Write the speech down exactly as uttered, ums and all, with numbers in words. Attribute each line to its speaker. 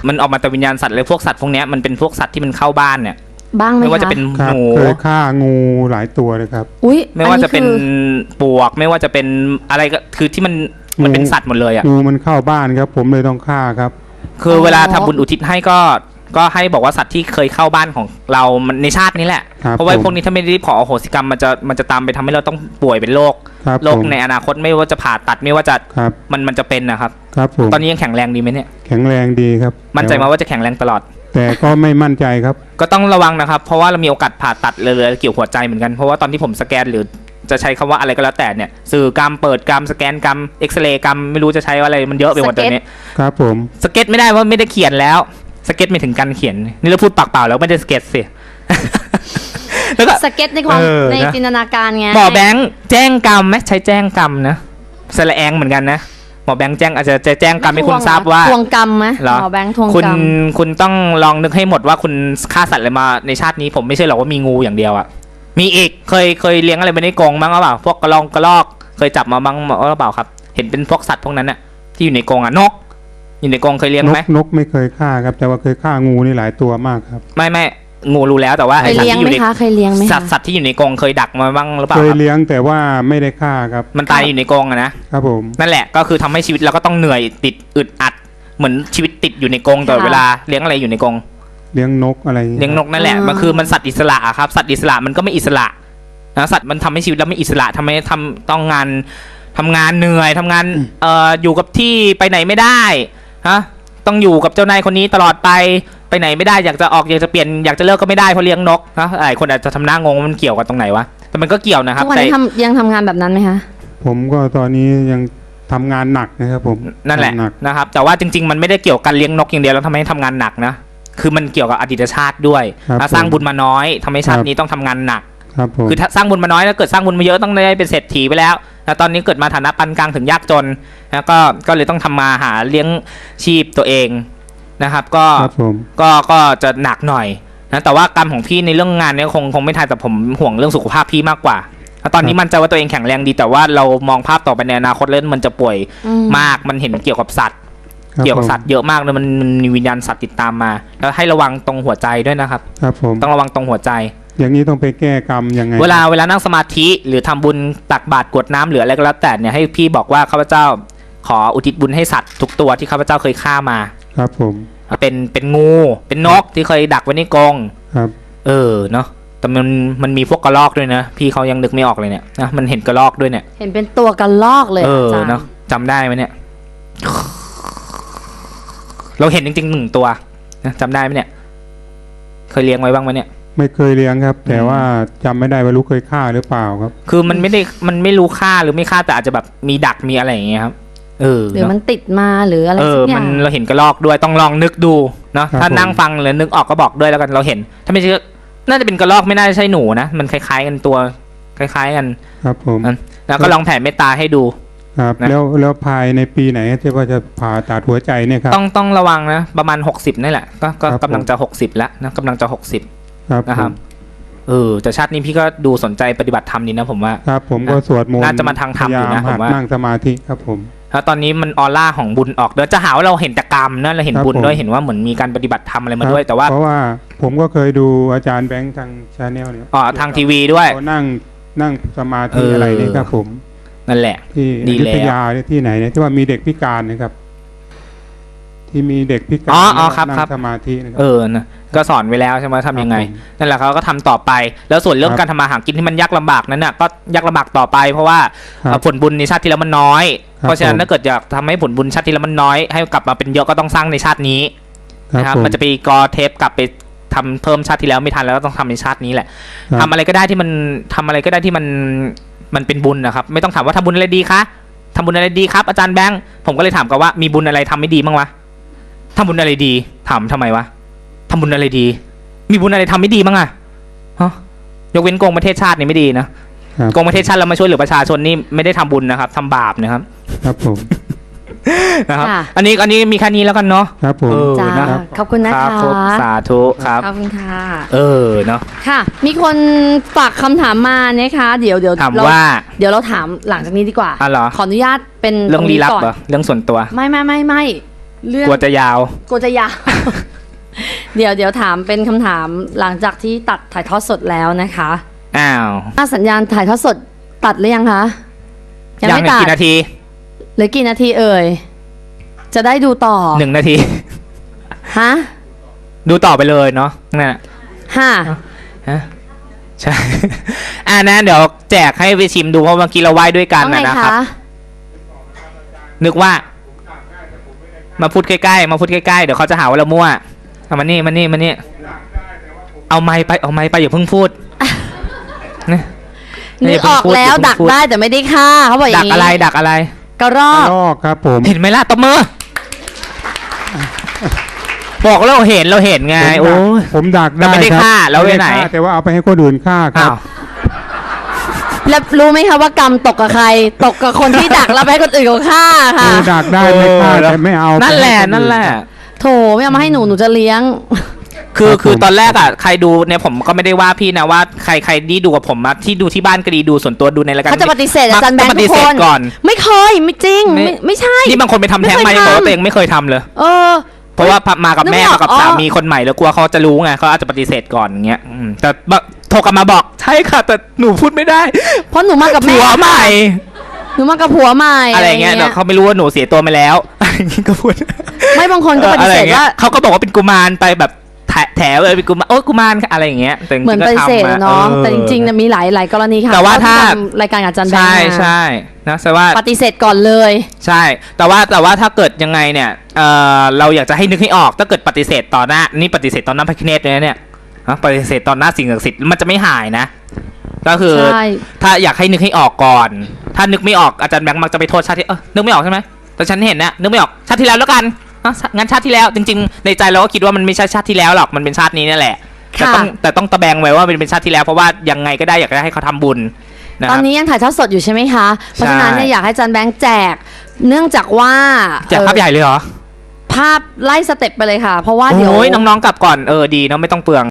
Speaker 1: มันออกมาแต่วิญญาณสัตว์เลยพวกสัตว์พวกเนี้ยมันเป็นพวกสัตว์ที่มันเข้าบ้านเนี่ย
Speaker 2: บ้างไหมคะ
Speaker 1: ไม่ว่าจะเป็นหนู
Speaker 3: เคยฆ่างูหลายตัวเลยครับ
Speaker 2: อุ้ย
Speaker 1: ไม่ว่าจะเป็นปลวกไม่ว่าจะเป็นอะไรก็คือที่มันมันเป็นสัตว์หมดเลยอ่ะ
Speaker 3: งูมันเข้าบ้านครับผมเลยต้องฆ่าครับ
Speaker 1: คือเวลาทำบุญอุทิศให้ก็ก็ให้บอกว่าสัตว์ที่เคยเข้าบ้านของเรามันในชาตินี้แหละเพราะว่าพวกนี้ถ้าไม่ได้ขออโหสิกรรมมันจะมันจะตามไปทำให้เราต้องป่วยเป็นโรคโรคในอนาคตไม่ว่าจะผ่าตัดไม่ว่าจะมันมันจะเป็นนะครับ
Speaker 3: ครับผม
Speaker 1: ตอนนี้ยังแข็งแรงดีไหมเนี่ย
Speaker 3: แข็งแรงดีครับ
Speaker 1: มั่นใจมาว่าจะแข็งแรงตลอด
Speaker 3: แต่ก็ไม่มั่นใจครับ
Speaker 1: ก็ต้องระวังนะครับเพราะว่าเรามีโอกาสผ่าตัดเลยเกี่ยวหัวใจเหมือนกันเพราะว่าตอนที่ผมสแกนหรือจะใช้คำว่าอะไรก็แล้วแต่เนี่ยสื่อกรรมเปิดกรรมสแกนกรรมเอ็กซเรย์กรรมไม่รู้จะใช้อะไรมันเยอะไปหมดตอนนี้
Speaker 3: ครับผม
Speaker 1: สเก็ตไม่ได้ว่าไม่ได้เขียนแล้วสเก็ตไม่ถึงการเขียนนี่เราพูดปากเปล่าแล้วไม่ได้สเก็ตสิ
Speaker 2: แล้วก็สเก็ตในความในจินตนาการไง
Speaker 1: หมอแบงค์แจ้งกรรมไหมใช้แจ้งกรรมนะสระแองเหมือนกันนะหมอแบงค์แจ้งอาจจะจะแจ้งกรรมให้คุณทราบว่า
Speaker 2: ทวงกรรมไหมหมอแบงค์ทวงกรรม
Speaker 1: คุณคุณต้องลองนึกให้หมดว่าคุณฆ่าสัตว์อะไรมาในชาตินี้ผมไม่ใช่หรอกว่ามีงูอย่างเดียวอ่ะมีอีกเคยเคยเลี้ยงอะไรไม่ได้กรงบ้างหรือเปล่าพวกกระรองกระรอกเคยจับมาบ้างหรือเปล่าครับเห็นเป็นพวกสัตว์พวกนั้นอ่ะที่อยู่ในกรงอ่ะนกอยู่ในกรงเคยเลี้ยงไหม
Speaker 3: นกไม่เคยฆ่าครับแต่ว่าเคยฆ่างูนี่หลายตัวมากครับ
Speaker 1: ไม่ไม่งูรู้แล้วแต่ว่า
Speaker 2: ไอ้สัตว์ที่อยู่ใน
Speaker 1: เคยเลี้ยงไหมสัตว์สัตว์ที่อยู่ในกรงเคยดักมาบ้างหรือเปล่า
Speaker 3: เคยเลี้ยงแต่ว่าไม่ได้ฆ่าครับ
Speaker 1: มันตายอยู่ในกรงอะนะครับ
Speaker 3: ผม
Speaker 1: นั่นแหละก็คือทำให้ชีวิตเราก็ต้องเหนื่อยติดอึดอัดเหมือนชีวิตติดอยู่ในกรงตลอดเวลาเลี้ยงอะไรอยู่ในกรง
Speaker 3: เลี้ยงนกอะไร
Speaker 1: เลี้ยงนกนั่นแหละมันคือมันสัตว์อิสระอะครับสัตว์อิสระมันก็ไม่อิสระนะสัตว์มันทำให้ชีวิตเราไม่อิสระทำให้ทำต้องงานทำงานเหนื่อยทำงานเอ่ออยู่กับที่ไปไหนไม่ได้ฮะต้องอยู่กับเจ้านายคนนี้ตลอดไปไปไหนไม่ได้อยากจะออกอยากจะเปลี่ยนอยากจะเลิกก็ไม่ได้เพราะเลี้ยงนกนะหลายคนอาจจะทำหน้างงมันเกี่ยวกับตรงไหนวะแต่มันก็เกี่ยวนะครับ
Speaker 2: ทุกวันนี้ทำยังทำงานแบบนั้นไหมคะ
Speaker 3: ผมก็ตอนนี้ยังทำงานหนักนะครับผม
Speaker 1: นั่นแหละนะครับแต่ว่าจริงๆมันไม่ได้เกี่ยวกับเลี้ยงนกอย่างเดียวแล้วทำให้ทำงานหนักนะคือมันเกี่ยวกับอดีตชาติด้วยสร้างบุญมาน้อยทำให้ชาตินี้ต้องทำงานหนักคือถ้าสร้างบุญมาน้อยแล้วเกิดสร้างบุญมาเยอะต้องได้เป็นเศรษฐีไปแล้วแล้วตอนนี้เกิดมาฐานะปานกลางถึงยากจนแล้วก็ก็เลยต้องทำมาหาเลี้ยงชีพตัวเองนะครับก็ก็ก็จะหนักหน่อยนะแต่ว่ากรรมของพี่ในเรื่องงานเนี่ยคงคงไม่ทันแต่ผมห่วงเรื่องสุขภาพพี่มากกว่าตอนนี้มันใจว่าตัวเองแข็งแรงดีแต่ว่าเรามองภาพต่อไปในอนาคตเล่นมันจะป่วยมากมันเห็นเกี่ยวกับสัตว์เกี่ยวกับสัตว์เยอะมากเลยมันมีวิญญาณสัตว์ติดตามมาแล้วให้ระวังตรงหัวใจด้วยนะครับ
Speaker 3: ครับผม
Speaker 1: ต้องระวังตรงหัวใจ
Speaker 3: อย่างนี้ต้องไปแก้กรรมยังไง
Speaker 1: เวลาเวลานั่งสมาธิหรือทำบุญตักบาตรกรวดน้ำหรืออะไรก็แล้วแต่เนี่ยให้พี่บอกว่าข้าพเจ้าขออุทิศบุญให้สัตว์ทุกตัวที่ข้าพเจ้าเคยฆ่ามา
Speaker 3: ครับผม
Speaker 1: เป็นเป็นงูเป็นนกที่เคยดักไว้ในกรง
Speaker 3: ครับ
Speaker 1: เออเนาะแต่มันมันมีพวกกระรอกด้วยนะพี่เขายังนึกไม่ออกเลยเนี่ยนะมันเห็นกระรอกด้วยเนี่ย
Speaker 2: เห็นเป็นตัวกระรอกเลย
Speaker 1: เออเนาะจำได้ไหมเนี่ยเราเห็นจริงๆหนึ่งตัวนะจำได้ไหมเนี่ยเคยเลี้ยงไว้บ้างไหมเนี่ย
Speaker 3: ไม่เคยเลี้ยงครับแต่ว่าจำไม่ได้ว่ารู้เคยฆ่าหรือเปล่าครับ
Speaker 1: คือมันไม่ได้มันไม่รู้ฆ่าหรือไม่ฆ่าแต่อาจจะแบบมีดักมีอะไรอย่างเงี้ยครับเออ
Speaker 2: หรือมันติดมาหรืออะไร
Speaker 1: สักอย่างมันเราเห็นกระรอกด้วยต้องลองนึกดูเนาะถ้านั่งฟังหรือนึกออกก็บอกด้วยแล้วกันเราเห็นถ้าไม่ใช่น่าจะเป็นกระรอกไม่น่าจะใช่หนูนะมันคล้ายๆกันตัวคล้ายๆกัน
Speaker 3: ครับผม
Speaker 1: แล้วก็ลองแผ่เมตตาให้ดู
Speaker 3: ครับแล้วแล้วภายในปีไหนที่ว่าจะผ่าตัดหัวใจเนี่ยครับ
Speaker 1: ต้องต้องระวังนะประมาณหกสิบนี่แหละก็ก็กำลังจะหกสิบแล้วนะกำลังจะหกสิบนะครับเออแต่ชาตินี้พี่ก็ดูสนใจปฏิบัติธรรมนี่นะผมว่า
Speaker 3: ครับผมก็สวดมนต์
Speaker 1: น่าจะมาทางธรรมอยู่นะผมว่า
Speaker 3: นั่งสมาธิครับผม
Speaker 1: แล้วตอนนี้มันออร่าของบุญออกเดี๋ยวจะหาว่าเราเห็นแต่กรรมนะเราเห็นบุญด้วยเห็นว่าเหมือนมีการปฏิบัติธรรมอะไรมาด้วยแต่ว่า
Speaker 3: เพราะว่าผมก็เคยดูอาจารย์แบงค์ทางชาแนลเนี่ย
Speaker 1: อ๋อทางทีวีด้วย
Speaker 3: เขานั่งนั่งสมาธิอะไรนี่ครับผม
Speaker 1: นั่นแหละ
Speaker 3: ที่อยุธยาที่ไหนเนี่ยที่ว่ามีเด็กพิการนะครับที่มีเด็กพิการนั่งสมาธินะครับ
Speaker 1: เออนะก็สอนไว้แล้วใช่ไหมทำยังไงนั่นแหละเขาก็ทำต่อไปแล้วส่วนเรื่องการทำมาหากินที่มันยากลำบากนั้นน่ะก็ยากลำบากต่อไปเพราะว่าผลบุญในชาติที่แล้วมันน้อยเพราะฉะนั้นถ้าเกิดอยากทำให้ผลบุญชาติที่แล้วมันน้อยให้กลับมาเป็นเยอะก็ต้องสร้างในชาตินี้นะครับมันจะไปกอเทปกลับไปทำเพิ่มชาติที่แล้วไม่ทันแล้วต้องทำในชาตินี้แหละทำอะไรก็ได้ที่มันทำอะไรก็ได้ที่มันมันเป็นบุญนะครับไม่ต้องถามว่าทำบุญอะไรดีคะทำบุญอะไรดีครับอาจารย์แบงค์ผมก็เลยถามกันว่ามีบุญอะไรทำไม่ดีบ้างวะทำบุญอะไรดีถามทำไมวะทำบุญอะไรดีมีบุญอะไรทำไม่ดีบ้างอะฮะยกเว้นโกงประเทศชาตินี่ไม่ดีนะโกงประเทศชาติเรามาช่วยเหลือประชาชนนี่ไม่ได้ทำบุญนะครับทำบาปนะครับ
Speaker 3: ครับผม
Speaker 1: นะครับอันนี้อันนี้มีแค่นี้แล้วกันเนาะ
Speaker 3: ครับผม
Speaker 2: จ้าขอบคุณนะคะ
Speaker 1: สาธุครับ
Speaker 2: ขอบคุณค่ะ
Speaker 1: เออเนาะ
Speaker 2: ค่ะมีคนฝากคำถามมานะคะเดี๋ยวเดี๋ยว
Speaker 1: ถามว่า
Speaker 2: เดี๋ยวเราถามหลังจากนี้ดีกว่า
Speaker 1: อ๋อเหรอ
Speaker 2: ขออนุญาตเป็น
Speaker 1: เรื่องลี้ลับเหรอเรื่องส่วนตัว
Speaker 2: ไม่ไม่ไม่ไม่เรื่อง
Speaker 1: กลัวจะยาว
Speaker 2: กลัวจะยาว เดี๋ยวเดี๋ยวถามเป็นคำถามหลังจากที่ตัดถ่ายทอดสดแล้วนะคะ
Speaker 1: อ้าว
Speaker 2: ถ้าสัญญาณถ่ายทอดสดตัดหรือยังคะยังไม่
Speaker 1: เหลือ
Speaker 2: ตัด
Speaker 1: กี่นาที
Speaker 2: เหลือกี่นาทีเอ่ยจะได้ดูต่อ
Speaker 1: หนึ่งนาที
Speaker 2: ฮะ
Speaker 1: ดูต่อไปเลยเนาะนั่นน่ะ
Speaker 2: ห้า
Speaker 1: ฮะใช่ อ่านะเดี๋ยวแจกให้ไปชิมดูเพราะเมื่อกี้เราไหว้ด้วยกัน
Speaker 2: ว่าไง
Speaker 1: นะนะครับ
Speaker 2: คะ
Speaker 1: นึกว่า มาพูดใกล้ๆมาพูดใกล้ๆเดี๋ยวเขาจะหาว่าเรามั่วเอามานี่มานี่มานี่เอาไม้ไปเอาไม้ไปอย่าเพิ่งพูดนะ
Speaker 2: นึกออกแล้วดักได้แต่ไม่ได้ฆ่าเขาบอกอ
Speaker 1: ดั
Speaker 2: ย่าก งนี้
Speaker 1: อะไรดักอะไร
Speaker 2: กระรอก
Speaker 3: ลอกครับผม
Speaker 1: เห็นไหมล่ะตบมือบอกแล้วเราเห็นเราเห็นไง
Speaker 3: ผมดัก
Speaker 1: โอ้ย
Speaker 3: ผมดักได้
Speaker 1: แต่ไม่ได้
Speaker 3: ครับ
Speaker 1: ฆ่าแล้ว
Speaker 3: ม่ด้
Speaker 1: ไว้ไหน
Speaker 3: ฆ่าแต่ว่าเอาไปให้คนอื่นฆ่าครั
Speaker 1: อ้า
Speaker 3: บ
Speaker 1: ว
Speaker 2: แล้วรู้ไหมคะว่ากรรมตกกับใคร ตกกับคนที่ดักแล้วไปให้คนอื่นเขาฆ่าค่ะ
Speaker 3: คือดักได้ไม่ฆ่าแต่ไม่เอา
Speaker 1: นั่นแหละ
Speaker 3: ไปใคอื่
Speaker 1: นั่นแหละ
Speaker 2: โถไม่เอามาให้หนูหนูจะเลี้ยง
Speaker 1: คือ
Speaker 3: ครับ
Speaker 1: คือ
Speaker 3: ผม
Speaker 1: ตอนแรกอ่ะใครดูเนี่ยผมก็ไม่ได้ว่าพี่นะว่าใครใครที่ดูกับผมอะที่ดูที่บ้านก็ดีดูส่วนตัวดูในรายการ
Speaker 2: เขาจะปฏิเสธอาจารย์แบงค์
Speaker 1: มักจะปฏิ
Speaker 2: ทุก
Speaker 1: เส
Speaker 2: ค
Speaker 1: ธ
Speaker 2: น
Speaker 1: ก่อน
Speaker 2: ไม่เคยไม่จริง
Speaker 1: ไม่
Speaker 2: ไม่ไม่ใช่
Speaker 1: นี่บางคนไปทำแท้งมา
Speaker 2: ไม่
Speaker 1: ยัง
Speaker 2: เคย
Speaker 1: บอกว่า
Speaker 2: ทำ
Speaker 1: ตัวเองไม่เคยทำเลย
Speaker 2: เออ
Speaker 1: เพราะว่ามากับ
Speaker 2: นึก
Speaker 1: แม่
Speaker 2: ไม่ออก
Speaker 1: มากับ
Speaker 2: อ๋อ
Speaker 1: สามีคนใหม่แล้วกลัวเขาจะรู้ไงเขาอาจจะปฏิเสธก่อนอย่างเงี้ยอืมแต่บะโทรกลับมาบอกใช่ค่ะ แต่หนูพูดไม่ได้
Speaker 2: เพราะหนูมากับแม่
Speaker 1: ผัวใหม่
Speaker 2: หนูมากับผัวใหม่
Speaker 1: อะไรเงี้ยเดี๋ยวเขาไม่รู้ว่าหนูเสียตัวไปแล้ว อะไรอย่างงี้ก็พูด
Speaker 2: ไม่บางคนก็ปฏิเสธ
Speaker 1: อออะไรงี้ย
Speaker 2: ว่า
Speaker 1: เขาก็บอกว่าเป็นกุมารไปแบบแถแถวเลยเป็นกุมารโอ้ยกุมารอะไรอย่างเงี้ยแต่จริงๆ
Speaker 2: เหมือน
Speaker 1: ก็
Speaker 2: ปฏิเสธ
Speaker 1: ทำอะ
Speaker 2: เนาะ
Speaker 1: ออ
Speaker 2: แต่จริงๆเนี่ยมีหลายหลายกรณีค่ะ
Speaker 1: แต่ว่าถ้า
Speaker 2: ที่ทำรายการกับอาจารย์แบง
Speaker 1: ใช่
Speaker 2: ค์มา
Speaker 1: ใช่นะแต่ว่า
Speaker 2: ปฏิเสธก่อนเลย
Speaker 1: ใช่ แต่ว่าแต่ว่าถ้าเกิดยังไงเนี่ยเออเราอยากจะให้นึกให้ออกถ้าเกิดปฏิเสธต่อหน้านี่ปฏิเสธต่อหน้าพระคเนศเลยนะเนี่ยฮะปฏิเสธต่อหน้าสิ่งศักดิ์สิทธิ์มันจะไม่หายนะ ก็คือ
Speaker 2: ใช่
Speaker 1: ถ้าอยากให้นึกให้ออกก่อน ถ้านึกไม่ออกอาจารย์แบงค์มักจะไปโทษชาติที่เออนึกไม่ออกใช่ไหมแต่ฉันเห็นนะนึกไม่ออกชาติที่แล้วแล้วกันอ่ะงั้นชาติที่แล้วจริงๆในใจเราก็คิดว่ามันไม่ใช่ชาติที่แล้วหรอกมันเป็นชาตินี้นี่แหละแต่
Speaker 2: ค่ะ
Speaker 1: ต้องแต่ต้องตะแบงไว้ว่ามันเป็นชาติที่แล้วเพราะว่ายังไงก็ได้อยากจะให้เขาทำบุญนะค
Speaker 2: ตอ
Speaker 1: รั
Speaker 2: น
Speaker 1: บ
Speaker 2: นี้ยังถ่ายทอดสดอยู่ใช่ไหมคะ เพราะฉะนั้นเนี่ยอยากให้อาจารย์แบงค์แจก เนื่องจากว่า
Speaker 1: แจกภาพใหญ่เลยเหรอ
Speaker 2: ภาพไล่สเต็ปไปเลยค่ะ เพราะว่าเดี๋ยว
Speaker 1: โอ้ยน้องๆกลับก่อนเออดีเนาะไม่ต้องเปลือง